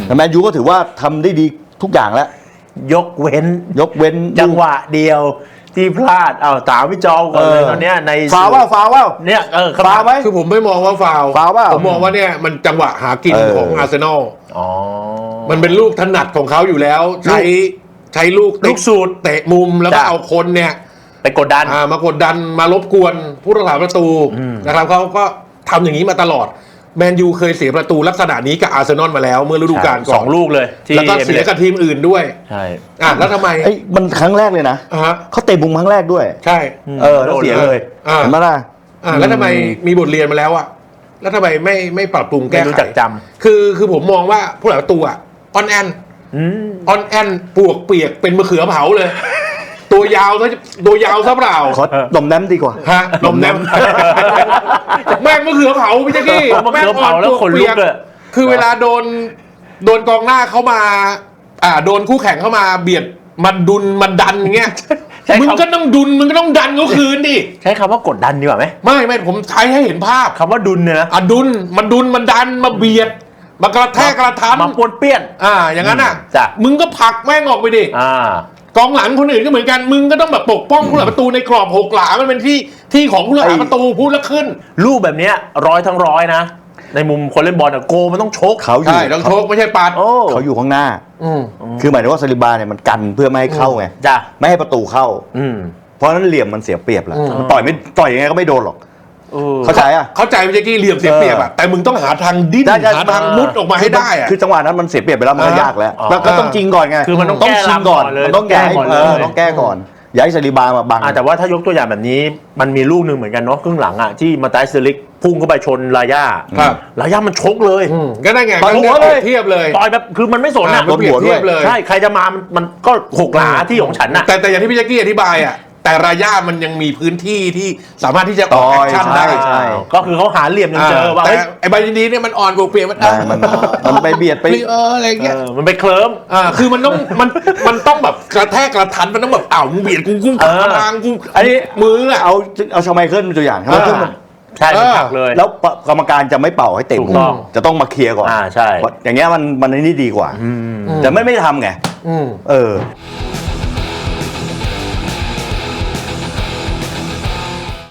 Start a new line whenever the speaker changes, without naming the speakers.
แต่แมนยูก็ถือว่าทำได้ดีทุกอย่างแล้ว
ยกเว้นจังหวะเดียวที่พลาดเอาถามพี่จอมก่อนเลยตอนเนี้ยใน
ฟาวว่า
เนี่ย
ฟาวไหม
คือผมไม่มองว่าฟาวผมมองว่าเนี่ยมันจังหวะหากินของอาร์เซนอลมันเป็นลูกถนัดของเขาอยู่แล้วใช้ลูก
สูตร
เตะมุมแล้วก็เอาคนเนี่ย
ไปกดดัน
มากดดันมารบกวนผู้รักษาประตูนะครับเขาก็ทำอย่างนี้มาตลอดแมนยูเคยเสียประตูลักษณะนี้กับอาร์เซนอลมาแล้วเมื่อฤดูกาลก่อน
2 ลูกเลย
แล้วก็เสียกับทีมอื่นด้วย
ใช่
แล้วทำไม
มันครั้งแรกเลยนะเขาเตะมุมครั้งแรกด้วย
ใช่
แล้วเสียเลยเห็นไหมล่ะ
แล้วทำไมมีบทเรียนมาแล้วอะแล้วทำไมไม่ปรับปรุงแก้ไข
รู้จักจำ
คือผมมองว่าผู้รักษาประตูอะออนแอนปวกเปียกเป็นมะเขือเผาเลยตัวยาวซะเปล่า
ขอดมแนมดีกว่า
ดมแนมแม่งมะเขือเผาพี่แจ๊กกี้
แม่งอ่อนแล้วขนลุกเลย
คือเวลาโดนกองหน้าเข้ามาโดนคู่แข่งเข้ามาเบียดมันดันอย่างเงี้ยมึงก็ต้องดันเขาคืนดิ
ใช้คำว่ากดดันดีกว่าไหม
ไม่ผมใช้ให้เห็นภาพ
คำว่าดุลเนี่ยนะ
มันดันมาเบียดมากระแทกกระทัน
มาปนเปี้ยน
อย่างนั้นมึงก็ผลักแม่งออกไปดิกองหลังคนอื่นก็เหมือนกันมึงก็ต้องแบบปกป้องผู้รักษาประตูในกรอบ6 หลามันเป็นที่ของผู้รักษาประตูพูดแล้วขึ้น
ลูกแบบนี้100 นะในมุมคนเล่นบอลโกมันต้องชก
เขาอยู่
ต้องชกไม่ใช่ปาด
เขาอยู่ข้างหน้าคือหมายถึงว่าซาลิบาเนี่ยมันกันเพื่อไม่ให้เข้าไงไม่ให้ประตูเข้าเพราะนั้นเหลี่ยมมันเสียเปรียบแล้วมันต่อยยังไงก็ไม่โดนหรอกเข้าใจ
พี่แจ๊กกี้เหลี่ยมเสียเปรียบแต่มึงต้องหาทางดิ้นหาทางมุดออกมาให้ได้
คือจังหวะนั้นมันเสียเปรียบไปแล้วมันก็ยากแล้วก็ต้องจริงก่อนไง
คือมันต้อง
ชิงก่อนมันต้องแก้ก่อนย้ายซาลิบามาบัง
แต่ว่าถ้ายกตัวอย่างแบบนี้มันมีลูกหนึ่งเหมือนกันเนาะครึ่งหลังที่มาไตเซลิกพุ่งเข้าไปชนลาย่ามันชกเลย
ก็ได้ไง
ต่อยหัวเลย
เทียบเลย
ต่อยแบบคือมันไม่สน
โดนหัวเทียบ
เลยใช่ใครจะมามันก็6 หลาที่ของฉันน่ะ
แต่อย่างที่พี่แจ๊กกี้อธิบายแต่ราย่ามันยังมีพื้นที่ที่สามารถที่จะออกแอคชั่นได้
ก็คือเขาหาเหลี่ยมจนเจอว่า
แต่ไอ้ใบยินดีเนี่ยมันอ่อนกว่าเปลี่ยน
มันไปเบียดไป
อะไรเงี้ย
มันไปเคลิ้ม
คือมันต้องแบบกระแทกกระทันมันต้องแบบมึงเบียดกูทางกู
อันนี้
มือ
เอาชาไมเคิลเป็นตัวอย่าง
ใช่ผักเลย
แล้วกรรมการจะไม่เป่าให้เตะมุมจะต้องมาเคลียร์ก่อน
ใช่
อย่างเงี้ยมันนี่ดีกว่าแต่ไม่ทำไง